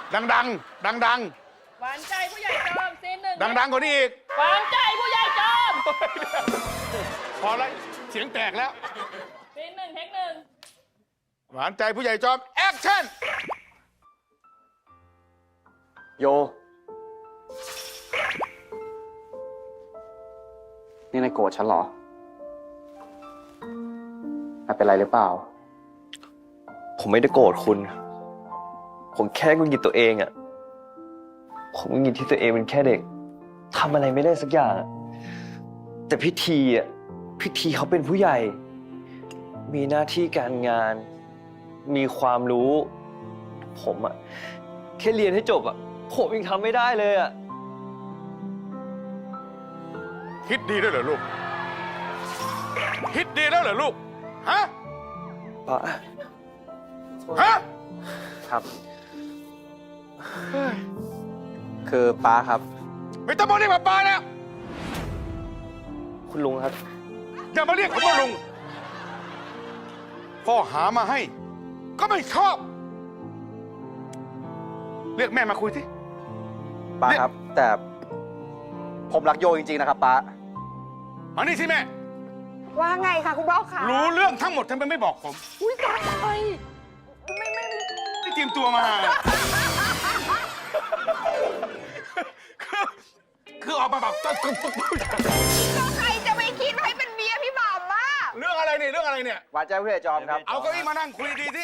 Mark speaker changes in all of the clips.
Speaker 1: ดังๆดัง
Speaker 2: หวานใจผู้ใหญ่จอมซีนหนึ่ง
Speaker 1: ๆดังๆกว่านี้อีก
Speaker 2: หวานใจผู้ใหญ่จอม
Speaker 1: พอแล้วเสียงแตกแล้ว
Speaker 2: ซีนหนึ่งเทคหนึ่ง
Speaker 1: หวานใจผู้ใหญ่จอมแอคชั่น
Speaker 3: โย นี่นายโกรธฉันเหรอ นายเป็นไรหรือเปล่า
Speaker 4: ผมไม่ได้โกรธคุณ ผมแค่หงุดหงิดตัวเองอะผมหงุดหงิดที่ตัวเองเป็นแค่เด็กทำอะไรไม่ได้สักอย่างอะแต่พิธีอะพิธีเขาเป็นผู้ใหญ่ มีหน้าที่การงาน มีความรู้ ผมอะแค่เรียนให้จบอะผมยังทำไม่ได้เลยอะ
Speaker 1: คิดดีแล้วเหรอลูก คิดดีแล้วเหรอลูก ฮะ
Speaker 4: ป้า
Speaker 1: ฮะ
Speaker 3: ครับ คือป้าครับ
Speaker 1: ไม่ต้องมาเรียกป้าแล้ว
Speaker 4: คุณลุงครับ
Speaker 1: อย่ามาเรียกผมว่าลุง พ่อหามาให้ ก็ไม่ชอบ เรียกแม่มาคุยสิ
Speaker 3: ป้าครับ แต่ผมรักโยจริงๆนะครับป้า
Speaker 1: มานี่สิแม่
Speaker 5: ว่าไงคะคุณพ่อคะ
Speaker 1: รู้เรื่องทั้งหมดทำไมไม่บอกผม
Speaker 5: อุ้ยตายไม่
Speaker 1: ที่เตรียมตัวมา คือออกมาแบบ
Speaker 5: ก็ใครจะไปคิดให้เป็นเมียพี่บ่าวมา
Speaker 1: เรื่องอะไรเนี่ยเรื่องอะไรเนี่ย
Speaker 3: หวานใจผู้ใหญ่จอมครับ
Speaker 1: เอาเก้าอี้มานั่งคุยดีที่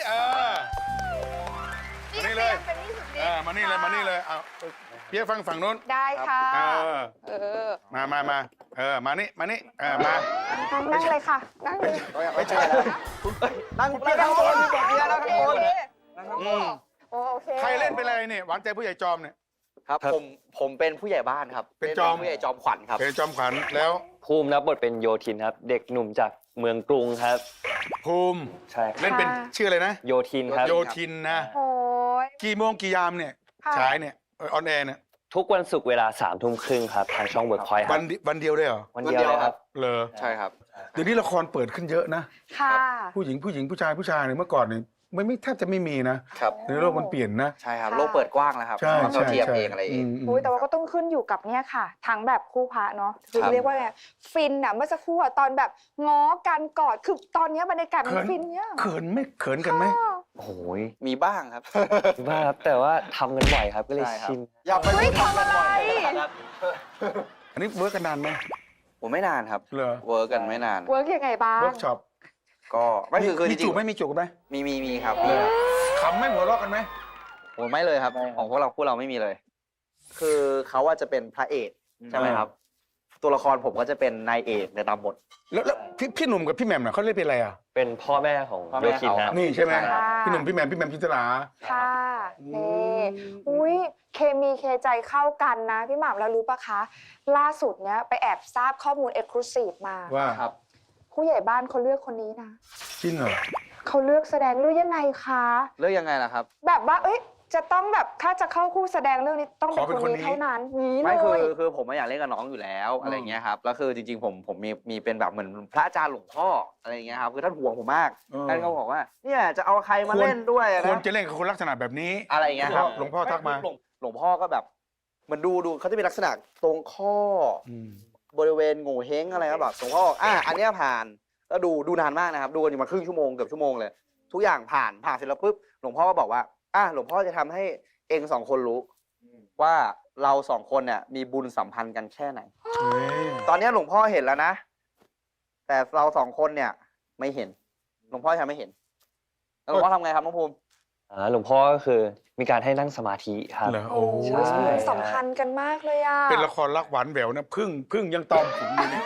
Speaker 1: มานี่เลย
Speaker 5: เป็นนี่สุดฤทธิ์
Speaker 1: มานี่เลยมานี่เลยเอาเพียฟังฝั่งนู้น
Speaker 5: ได้ค่ะ
Speaker 1: เออ
Speaker 5: เออ
Speaker 1: มามานี่มานี่มา
Speaker 5: นั่งเลยค่ะ นั่งเลย
Speaker 3: ไม่ใช่แล้วนั่งข้างบนบอกเมียแล้วข้างบน
Speaker 1: อืม
Speaker 5: โอเค
Speaker 1: ใครเล่นเป็นอะไรเนี่ยหวานใจผู้ใหญ่จอมเนี่ย
Speaker 3: ครับ ผมเป็นผู้ใหญ่บ้านครับ
Speaker 1: เป็นจอม
Speaker 3: ผู้ใหญ่จอมขวัญครับ
Speaker 1: เป็นจอมขวัญแล้ว
Speaker 4: ภูมิรับบทเป็นโยทินครับ เด็กหนุ่มจากเมืองกรุงครับ
Speaker 1: ภูมิ
Speaker 4: ใช่ครับ
Speaker 1: เล่นเป็นชื่ออะไรนะ
Speaker 4: โยทินครับ
Speaker 1: โยทินนะ
Speaker 5: โอ้ย
Speaker 1: กี่โมงกี่ยามเนี่ย
Speaker 5: ค่ะ
Speaker 1: ฉายเนี่ยออนแอร์เนี่ย
Speaker 4: ทุกวันศุกร์เวลา3 ทุ่มครึ่งครับทางช่องเวิร์กพอยต์ค
Speaker 1: วั
Speaker 4: รับ
Speaker 1: วันเดียวได้เหรอ
Speaker 4: วันเดียวเลยครับ
Speaker 1: เลอ
Speaker 3: ใช่ครับ
Speaker 1: เดี๋ยวนี้ละครเปิดขึ้นเยอะนะ
Speaker 5: ค่ะ
Speaker 1: ผู้หญิงผู้ชายเนี่ยเมื่อก่อนเนี่ยไม่แทบจะไม่มีนะครับ ในโลกมันเปลี่ยนนะ
Speaker 3: ใช่ครับ
Speaker 5: ค่ะ
Speaker 3: โลกเปิดกว้างแล้วครับ
Speaker 1: ใช่
Speaker 3: เรา
Speaker 1: ใช่
Speaker 3: เทียม
Speaker 1: ใช่
Speaker 3: เองอะไรเอง
Speaker 5: อุ้ยแต่ว่าก็ต้องขึ้นอยู่กับเนี่ยค่ะ ทั้งแบบคู่พระเนาะคือ
Speaker 3: ครับ
Speaker 5: เรียกว่าไงฟินอะเมื่อสักครู่อะตอนแบบง้อกันกอดคือตอนเนี้ยบรรยากาศมันฟินเนี่ย
Speaker 1: เขินไหม่เขินกันไหม
Speaker 5: ค่ะ
Speaker 4: โอ้โห
Speaker 3: มีบ้างครับ
Speaker 4: บ้าครับแต่ว่าทำกันบ่อยครับก็เลย
Speaker 3: ใช่ครับ
Speaker 4: ชิน
Speaker 3: อย่าไป
Speaker 5: เฮ้ยทำอะไร
Speaker 1: อันนี้เวิร์กกันนานไหม
Speaker 3: ผมไม่นานครับ
Speaker 1: เหรอ
Speaker 3: เวิร์กกันไม่นาน
Speaker 5: เวิร์กยังไงบ้าง
Speaker 1: เวิร์กช็อป
Speaker 3: ก็ไม่คือจ
Speaker 1: มี
Speaker 3: ริ
Speaker 1: จู
Speaker 3: ง
Speaker 1: บไหมมีจูบไหม
Speaker 3: ๆมีครับ
Speaker 1: เลยขำไหม่หัวเราะกันไหม
Speaker 3: ผมไม่เลยครับ ของพวกเราไม่มีเลย คือเขาว่าจะเป็นพระเอกใช่ไหมครับ ตัวละครผมก็จะเป็นนายเอกในตามบท
Speaker 1: แล้วพี่หนุ่มกับพี่แหม่มน่ะเขาเล่นเป็นอะไรอ่ะ
Speaker 4: เป็นพ่อแม่ของ
Speaker 3: พ่อแม่
Speaker 4: โยทินครับ
Speaker 1: นี่ใช่ไหม
Speaker 3: ใช่ครับ
Speaker 1: พี่หนุ่มพี่แหม่มพิศรา
Speaker 5: ค่ะนี่อุ้ยเคมีเคใจเข้ากันนะ พี่หม่ำแล้วรู้ปะคะ ล่าสุดเนี้ยไปแอบทราบข้อมูลเอกลูซีฟมา
Speaker 1: ว่า
Speaker 3: ครับ
Speaker 5: ผู้ใหญ่บ้านเขาเลือกคนนี้นะ
Speaker 1: จริงเหรอ
Speaker 5: เขาเลือกแสดงเรื่องยังไงคะ
Speaker 3: เรื่องยังไงล่ะครับ
Speaker 5: แบบว่าเอ้ยจะต้องแบบถ้าจะเข้าคู่แสดงเรื่องนี้ต้องเป็นคนนี้เท่านั้นนี้เล
Speaker 3: ไม่คือย คือผมไม่อยากเล่นกับน้องอยู่แล้วอะไรเงี้ยครับแล้วคือจริงๆผมมีเป็นแบบเหมือนพระอาจารย์หลวงพ่ออะไรเงี้ยครับคือท่านห่วงผมมาก ท่านก็บอกว่าเนี่ยจะเอาใครมาเล่นด้วยอะ
Speaker 1: ควร
Speaker 3: นะ
Speaker 1: จะเล่นกับคนลักษณะแบบนี้
Speaker 3: อะไรเงี้ยครับ
Speaker 1: หลวงพ่อทักมา
Speaker 3: หลวงพ่อก็แบบเหมือนดูเขาจะมีลักษณะตรงข้อ
Speaker 1: อืม
Speaker 3: บริเวณโง่เฮงอะไรครับแบบหลวงพ่อบอกอันเนี้ยผ่านแล้วดูนานมากนะครับดูกันอยู่มาครึ่งชั่วโมงเกือบชั่วโมงเลยทุกอย่างผ่านเสร็จแล้วปุ๊บหลวงพ่อก็บอกว่าหลวงพ่อจะทำให้เอง2 คนรู้ว่าเรา2 คนเนี่ยมีบุญสัมพันธ์กันแค่ไหน
Speaker 1: เฮ้ย
Speaker 3: ตอนนี้หลวงพ่อเห็นแล้วนะ แต่เรา2 คนเนี่ยไม่เห็น หลวงพ่อทำไม่เห็นแล้วหลวงพ่อทำไงครับน้องภูมิ
Speaker 4: หลวงพ่อก็คือมีการให้นั่งสมาธิครับ
Speaker 1: เหรอ
Speaker 5: โอ้
Speaker 1: โอ้
Speaker 5: โห
Speaker 4: ใช่
Speaker 5: สัมพันธ์กันมากเลยอ่ะ
Speaker 1: เป็นละครรักหวานแหววนะพึ่งยังตอมผมอยู่เนี่ย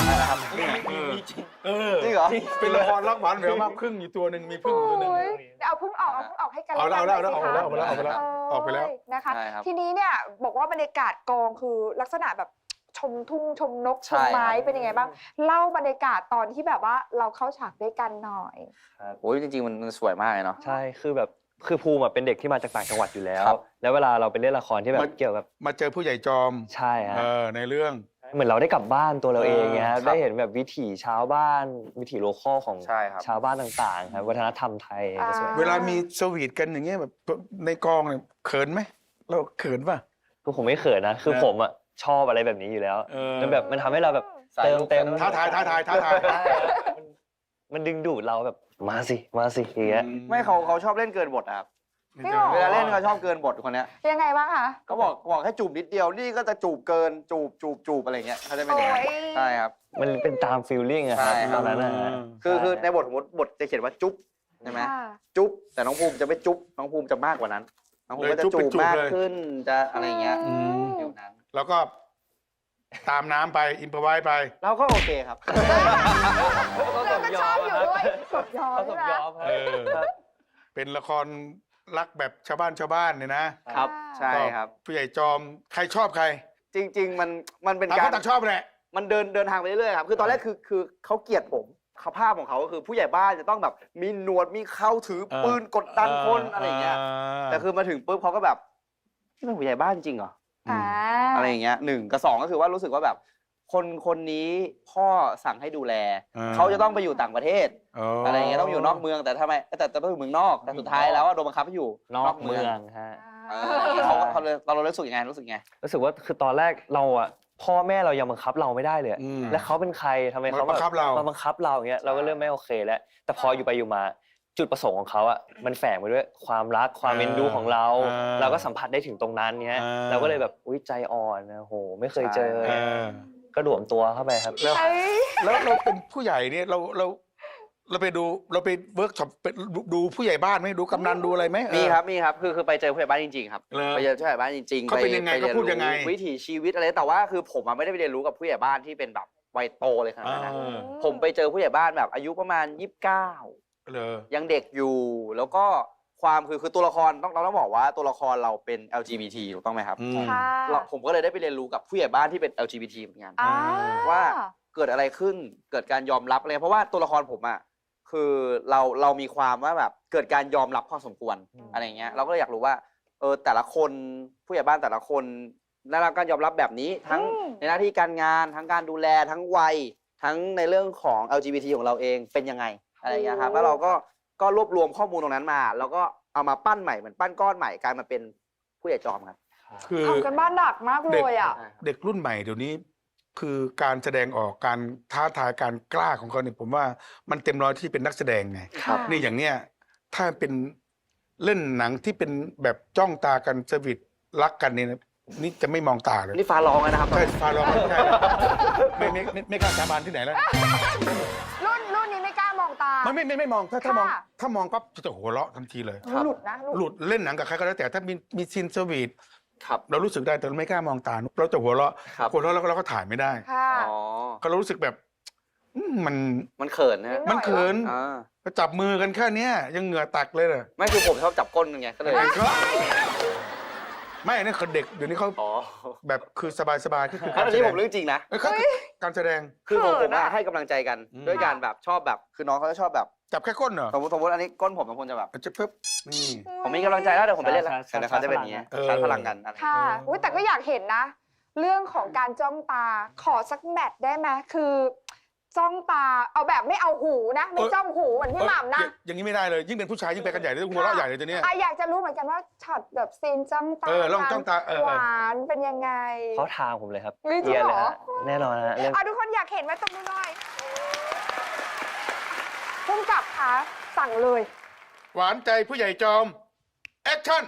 Speaker 1: เออ
Speaker 3: จริงเหรอ
Speaker 1: เป็นละครรักหวานแหววมากพึ่งอยู่ตัวหนึ่งมีพึ่งอยู่ตัวหนึ่ง
Speaker 5: โอ้ยเอาเพิ่งออกให้กัน
Speaker 1: เอาแล้ว
Speaker 5: หน่ย
Speaker 1: เอาแล้ว
Speaker 5: สิคะ
Speaker 1: เอาแล้วออกไปแล้ว
Speaker 5: นะคะ
Speaker 3: ใช่ครับ
Speaker 5: ทีนี้เนี่ยบอกว่าบรรยากาศกองคือลักษณะแบบชมทุ่งชมนกช
Speaker 3: ใช่
Speaker 5: ม
Speaker 3: ครับ
Speaker 5: ไม้เป็นยังไงบ้าง เล่าบรรยากาศตอนที่แบบว่าเราเข้าฉากด้วยกันหน่อย
Speaker 3: โอ้ยจริงๆมันสวยมากเลยเนาะ
Speaker 4: ใช่คือภูมิเป็นเด็กที่มาจากต่างจังหวัดอยู่แล้ว
Speaker 3: ครับ
Speaker 4: แล้วเวลาเราไปเล่นละครที่แบบเกี่ยวกับ
Speaker 1: มาเจอผู้ใหญ่จอม
Speaker 4: ใช่ฮะ
Speaker 1: ในเรื่อง
Speaker 4: เหมือนเราได้กลับบ้านตัวเราเองไง
Speaker 3: ครั
Speaker 4: ฮะ
Speaker 3: บ
Speaker 4: ได้เห็นแบบวิถีชาวบ้านวิถีโลคอลของ
Speaker 3: ใช่ครับ
Speaker 4: ชาวบ้านต่างๆครับวัฒนธรรมไทยก็สวย
Speaker 6: เวลามีสวีทกันอย่างเงี้ยแบบในกองเนี่ยเขินไหมเราเขินป่ะ
Speaker 4: คือผมไม่เขินนะคือ
Speaker 6: นะ
Speaker 4: ผมอ่ะชอบอะไรแบบนี้อยู่แล้ว
Speaker 6: เออ
Speaker 4: มันแบบมันทำให้เราแบบ
Speaker 3: สาย
Speaker 4: เติม
Speaker 3: ลุก
Speaker 4: เต็ม
Speaker 6: ท้าทาย
Speaker 4: ใช่ครับมันดึงดูดเราแบบมาสิอย่างเงี้ย
Speaker 3: ไม่เขาชอบเล่นเกินบทอะครับ
Speaker 5: ไม่หรอ
Speaker 3: เวลาเล่นเขาชอบเกินบทคนเนี้ย
Speaker 5: ยังไงบ้างคะ
Speaker 3: ก็บอกให้จูบนิดเดียวนี่ก็จะจูบเกินจูบอะไรเงี้ยเขาจะเป็นอย่างนั้น
Speaker 5: โอ้ย
Speaker 3: ใช่ครับ
Speaker 4: มันเป็นตามฟีลลิ่งอะครับ
Speaker 3: ใช่ค
Speaker 4: ต
Speaker 3: รั
Speaker 4: อบ นนั้นนะฮะ
Speaker 3: คือในบทสมมติบทจะเขียนว่าจุ๊บใช่ไหม
Speaker 5: ค่ะ
Speaker 3: จุ๊บแต่น้องภูมิจะไม่จุ๊บน้องภูมิจะมากกว่านั้นน้องภูมิก็จะ
Speaker 6: เลยจุ๊บ
Speaker 3: จู
Speaker 6: เป็น
Speaker 3: บ
Speaker 6: จูบ
Speaker 3: มาก
Speaker 6: เลย
Speaker 3: ขึ้นจะอะไรเงี้ย
Speaker 6: อืม
Speaker 3: ฟิวนั้น
Speaker 6: แล้วก็ตามน้ำไปอินพอไว้ไป
Speaker 3: เราก็โอเคครับ
Speaker 5: เราก็ชอบอยู่ด้วยสมยอม
Speaker 4: เขาส
Speaker 5: ใช่
Speaker 4: ม
Speaker 5: ไหม
Speaker 4: ยอมครับ
Speaker 6: เออ
Speaker 4: ครับ
Speaker 6: เป็นละครรักแบบชาวบ้านเนี่ยนะครับ
Speaker 3: ใช่ครับ
Speaker 6: ผู้ใหญ่จอมใครชอบใคร
Speaker 3: จริง ๆ มันเป็น
Speaker 6: ต่าง
Speaker 3: กา
Speaker 6: ค
Speaker 3: ร
Speaker 6: นต่างชอบแหละ
Speaker 3: มันเดินทางไปเรื่อยๆครับคือตอนแรกคือเขาเกลียดผมเขาภาพของเขาก็คือผู้ใหญ่บ้านจะต้องแบบมีหนวดมีเข้าถือปืนกดดันคนอะไรเงี้ยแต่คือมาถึงปุ๊บเขาก็แบบนี่เป็นผู้ใหญ่บ้านจริงเหรอ
Speaker 5: อ่า
Speaker 3: อะไรอย่างเงี้ยหนึ่งกับสองก็คือว่ารู้สึกว่าแบบคนนี้พ่อสั่งให้ดูแล เขาจะต้องไปอยู่ต่างประเทศ อะไรอย่างเงี้ยต้องอยู่นอกเมืองแต่ทำไมแต่ต้องอยู่เมืองนอกแต่สุดท้ายแล้วโดนบังคับให้อยู่
Speaker 4: นอกเมืองฮะ
Speaker 3: เรารู้สึกยังไงรู้สึกไง
Speaker 4: รู้สึกว่าคือตอนแรกเราอ่ะพ่อแม่เรายังบังคับเราไม่ได้เลยอะ
Speaker 6: อืม
Speaker 4: แล้วเขาเป็นใครทำไมเขา
Speaker 6: มาบังคับเรา
Speaker 4: มาบังคับเราอย่างเงี้ยเราก็เริ่มไม่โอเคแล้ว แต่พออยู่ไปอยู่มาจุดประสงค์ของเขาอ่ะมันแฝงไปด้วยความรักความเอ็นดูของเรา เราก็สัมผัสได้ถึงตรงนั้นเนี้ยเราก็เลยแบบอุ้ยใจอ่อนนะโหไม่เคยเจอ
Speaker 6: เออ
Speaker 4: ก็หลวมตัวเข้าไปครับ
Speaker 6: แล้ว
Speaker 5: เอ้ย
Speaker 6: แล้วเราเป็นผู้ใหญ่เนี่ยเราไปดูเราไปเวิร์กช็อปไปดูผู้ใหญ่บ้านไหมดูกำนันดูอะไรไหม
Speaker 3: มีครับคือไปเจอผู้ใหญ่บ้านจริงๆครับ
Speaker 6: เหรอ
Speaker 3: ไปเจอผู้ใหญ่บ้านจริงๆ
Speaker 6: เขาเป็นยังไง
Speaker 3: ป
Speaker 6: เขาพูดยังไง
Speaker 3: เรีนรู้วิถีชีวิตอะไรแต่ว่าคือผมอะไม่ได้ไปเรียนรู้กับผู้ใหญ่บ้านที่เป็นแบบวัยโตเลยขนาดนั้นนะ ผมไปเจอผู้ใหญ่บ้านแบบอายุประมาณ 29
Speaker 6: เลย
Speaker 3: ยังเด็กอยู่ แล้วก็ความคือตัวละครเราต้องบอกว่าตัวละครเราเป็น LGBT ถูกต้องไหมครับ
Speaker 5: ค่ะ
Speaker 3: ผมก็เลยได้ไปเรียนรู้กับผู้ใหญ่บ้านที่เป็น LGBT เหมือนกัน
Speaker 5: อ่า
Speaker 3: ว่าเกิดอะไรขึ้นเกิดการยอมรับอะไรเพราะว่าตัวละครผมอ่ะคือเรามีความว่าแบบเกิดการยอมรับพอสมควรอะไรเงี้ยเราก็เลยอยากรู้ว่าแต่ละคนผู้ใหญ่บ้านแต่ละคนได้รับการยอมรับแบบนี้ทั้งในหน้าที่การงานทั้งการดูแลทั้งวัยทั้งในเรื่องของ LGBT ของเราเองเป็นยังไงอะไรเงี้ยครับแล้วเราก็รวบรวมข้อมูลตรงนั้นมา แล้วก็เอามาปั้นใหม่เหมือนปั้นก้อนใหม่กลายมาเป็นผู้ใหญ่จอมครับ
Speaker 6: คือ
Speaker 5: ทำกันบ้านหนักมากเลยอ่ะ
Speaker 6: เด็กรุ่นใหม่เดี๋ยวนี้ คือการแสดงออกการท้าทายการกล้าของเขาเนี่ยผมว่ามันเต็มร้อยที่เป็นนักแสดงไง
Speaker 5: ครับ
Speaker 6: นี่อย่างเนี้ยถ้าเป็นเล่นหนังที่เป็นแบบจ้องตากันสวิตรักกันเนี่ยนะนี่จะไม่มองตาเลย
Speaker 3: นี่ฟ้าร้องแล้วนะครับ
Speaker 6: ใช่ฟาร้องไม่ได้ไม่กล้าสาบานที่ไหนแล้ว
Speaker 5: รุ่นนี้ไม่กล้ามองตา
Speaker 6: ไม่มองถ้ามอง
Speaker 5: ค่ะ
Speaker 6: ถ้ามองปั๊บจะหัวเราะทันทีเลย
Speaker 5: หลุดนะ
Speaker 6: หลุดเล่นหนังกับใครก็แล้วแต่ถ้ามีซีนสวีท
Speaker 3: ครับ
Speaker 6: เรารู้สึกได้แต่เราไม่กล้ามองตาเราจะหัวเราะ
Speaker 3: ครับ
Speaker 6: หัวเราะแล้วเราก็ถ่ายไม่ได้
Speaker 5: ค่ะ
Speaker 3: อ๋อ
Speaker 6: ก็เรารู้สึกแบบมัน
Speaker 3: มันเขินนะ
Speaker 6: มันเขิน
Speaker 3: อ่า
Speaker 6: ก็จับมือกันแค่เนี้ยยังเหงื่อตักเลยน่ะ
Speaker 3: ไม่คือผมชอบจับก้นไงก็เลย
Speaker 6: ไม่อันนี่คนเด็กเดี๋ยวนี้เขา
Speaker 3: อ๋อ
Speaker 6: แบบคือสบายๆก็คือ
Speaker 3: อันนี้ผมเรื่องจริงนะ
Speaker 6: เขาการแสดง
Speaker 3: คือผม
Speaker 5: เขินอะ
Speaker 3: ให้กำลังใจกัน
Speaker 6: อืม
Speaker 3: ด้วยการแบบชอบแบบคือน้องเขาจะชอบแบบ
Speaker 6: จับแค่ก้นเหรอ
Speaker 3: สมมติอันนี้ก้นผมบางคนจะแบบ
Speaker 6: จะเพิ่มนี่
Speaker 3: ผมมีกำลังใจแล้วเดี๋ยวผมไปเล่นแล้ว
Speaker 4: ชาร์จ
Speaker 3: เดี๋ยวเขาจะเป็นอย่างเงี้ย
Speaker 6: เออ
Speaker 3: ชาร์จพลังกันอะไร
Speaker 5: ค่ะอุ๊ยแต่ก็อยากเห็นนะ เรื่องของการจ้องตาขอสักแมทได้ไหมคือจ้องตาเอาแบบไม่เอาหูนะ ไม่จ้องหูเหมือนพี่หม่ำนะ
Speaker 6: อย่างนี้ไม่ได้เลยยิ่งเป็นผู้ชายยิ่งไปกันใหญ่เลยหัวเราะใหญ่เลยตัวเนี้ย
Speaker 5: อ่ะอยากจะรู้เหมือนกันว่าช็อตแบบซีนจ้องตา
Speaker 6: ลองจ้องตา
Speaker 5: หวานเป็นยังไง
Speaker 4: เขาทางผมเลยครับ
Speaker 5: เฮ้ยจริง
Speaker 4: เรียนเลย
Speaker 5: เหรอ
Speaker 4: ฮะแน่นอนฮะเรื่อง
Speaker 5: อ่ะทุกคนอยากเห็นไหมตรงนี้หน่อยพุ่มกับคะสั่งเลย
Speaker 6: หวานใจผู้ใหญ่จอมแอคชั่น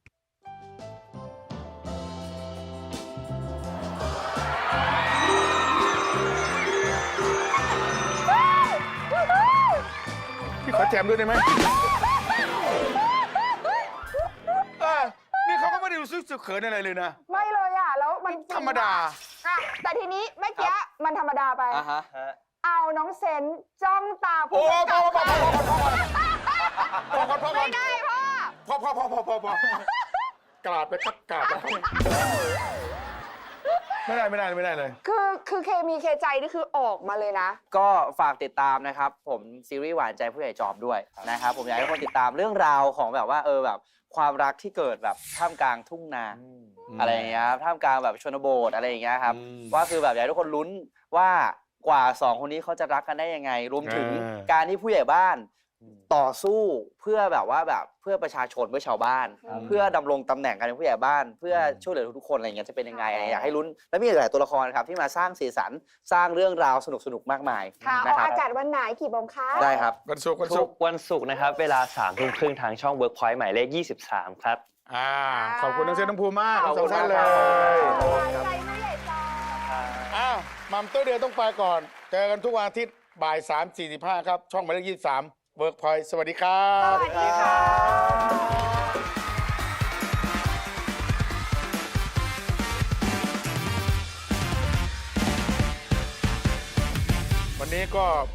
Speaker 6: พี่ขอแจมด้วยได้ไหมนี่เขาก็ไม่ได้รู้สึกเขินอะไรเลยนะ
Speaker 5: ไม่เลยอ่ะแล้วมัน
Speaker 6: ธรรมดา
Speaker 5: อ่ะแต่ทีนี้เมื่อกี้มันธรรมดาไป
Speaker 3: อ่ะฮะ
Speaker 5: เอาน้องเซนจ้องตา
Speaker 6: โอ้
Speaker 5: ผู้กำกับ
Speaker 6: พอ
Speaker 5: ไม่ได้พ่อ
Speaker 6: พอกราบไปครับกราบไปครับไม่ได้เลย
Speaker 5: คือเคมีเคใจนี่คือออกมาเลยนะ
Speaker 3: ก็ฝากติดตามนะครับ ผมซีรีส์หวานใจผู้ใหญ่จอมด้วยนะครับผมอยากให้ทุกคนติดตามเรื่องราวของแบบว่าแบบความรักที่เกิดแบบท่ามกลางทุ่งนาอะไรอย่างเงี้ยครับท่ามกลางแบบชนบทอะไรอย่างเงี้ยครับว่าคือแบบอยากให้ทุกคนลุ้นว่ากว่าสองคนนี้เขาจะรักกันได้ยังไง รวมถึงการที่ผู้ใหญ่บ้านต่อสู้เพื่อแบบว่าแบบเพื่อประชาชนเพื่อชาวบ้าน เพื่อดำรงตำแหน่งการเป็นผู้ใหญ่บ้าน เพื่อช่วยเหลือทุกๆคนอะไรอย่างเงี้ยจะเป็นยังไงอยากให้ลุ้นและมีอีกหลายตัวละครครับที่มาสร้างสีสันสร้างเรื่องราวสนุกๆมากมาย
Speaker 5: ค่ะอ
Speaker 3: นะ
Speaker 5: อก
Speaker 3: ครับ
Speaker 5: อากาศวันไหนกี่โมงคะ
Speaker 3: ได้ครับ
Speaker 6: วันศุกร์วัน
Speaker 4: ทุ
Speaker 6: ศุ
Speaker 4: ก
Speaker 6: กร์
Speaker 4: วันศุกร์นะครับ เวลา 3:30 ทางช่อง Workpoint หมายเลข 23 ครับ
Speaker 6: ขอบคุณน้องเซนน้องภูมิมาก
Speaker 3: ขอบ
Speaker 6: ส
Speaker 3: คุ
Speaker 6: อ
Speaker 3: ณ
Speaker 6: งท่านเล
Speaker 3: มาก
Speaker 6: ย
Speaker 3: ครับ
Speaker 5: หวานใจผู้ใหญ่จอม
Speaker 6: อ้าวมัมเตอร์เดียต้องไปก่อน เจอกันทุกวันอาทิตย์บ่าย 3:45 ครับ ช่องหมายเลข 23 เวิร์กพอยต์สวัสดีครั
Speaker 5: ส
Speaker 6: บ
Speaker 5: วัสดีค่ะ
Speaker 6: วันนี้ก็